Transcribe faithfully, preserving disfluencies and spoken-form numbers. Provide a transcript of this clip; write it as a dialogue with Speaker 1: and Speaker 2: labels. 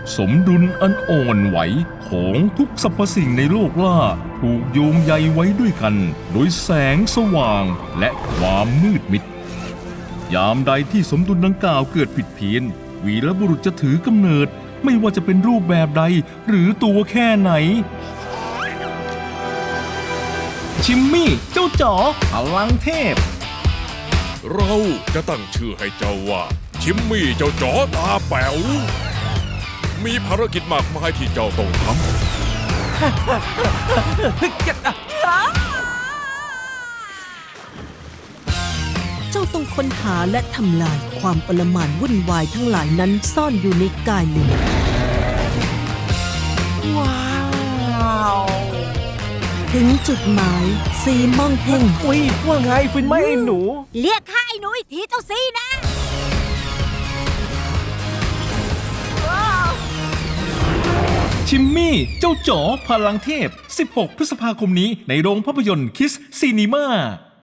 Speaker 1: สมดุลอันอ่อนไหวของทุกสรรพสิ่งในโลกล่าถูกโยงใยไว้ด้วยกันโดยแสงสว่างและความมืดมิดยามใดที่สมดุลดังกล่าวเกิดผิดเพี้ยนวีรบุรุษจะถือกำเนิดไม่ว่าจะเป็นรูปแบบใดหรือตัวแค่ไหนชิมมี่เจ้าจ๋อพลังเทพ
Speaker 2: เราจะตั้งชื่อให้เจ้าว่าชิมมี่เจ้าจ๋อตาแป๋วมีภารกิจมากมายที่เจ้าต้องทำ
Speaker 3: เจ้าต้องค้นหาและทำลายความปรมาณวุ่นวายทั้งหลายนั้นซ่อนอยู่ในกายลิงว้าวถึงจุดหมายซีม่องเพ่ง
Speaker 4: อุ้ยว่าไงฟินไหมไอ้หนู
Speaker 5: เรียกข้าไอ้หนูอีกทีเจ้าซีนะ
Speaker 1: ชิมมี่เจ้าจ๋อพลังเทพสิบหกพฤษภาคมนี้ในโรงภาพยนตร์คิสซีนีมา